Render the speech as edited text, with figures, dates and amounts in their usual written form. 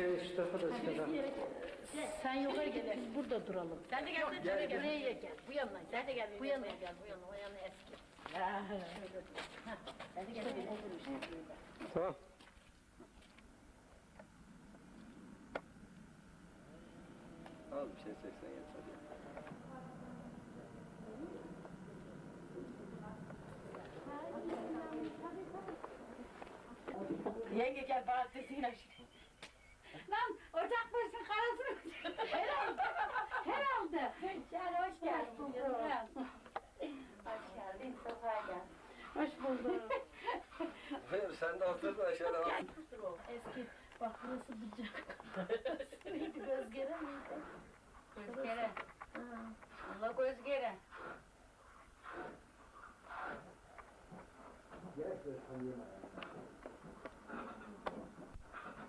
şu tarafa da çıkalım. Sen yukarı gel, biz burada duralım. Sen de gel, sen de Buraya gel. gel, bu yanına gel. Sen de gel, Bu yanına gel, bu yanına, o yana eski. Sen de gel. Tamam. Al bir şey 80 yeter. Yenge gel, bana sesini aç. Lan ocak başının karasını. Herhalde. Herhalde. Gel, hoş geldin. Hoş geldin, sokağa gel. Hoş bulduk. Hayır sen de otur da şöyle bak. Eski, bak burası bıcak. Neydi, Gözgere miydi? Gözgere. Allah gözgere. Gel şöyle tanıyayım.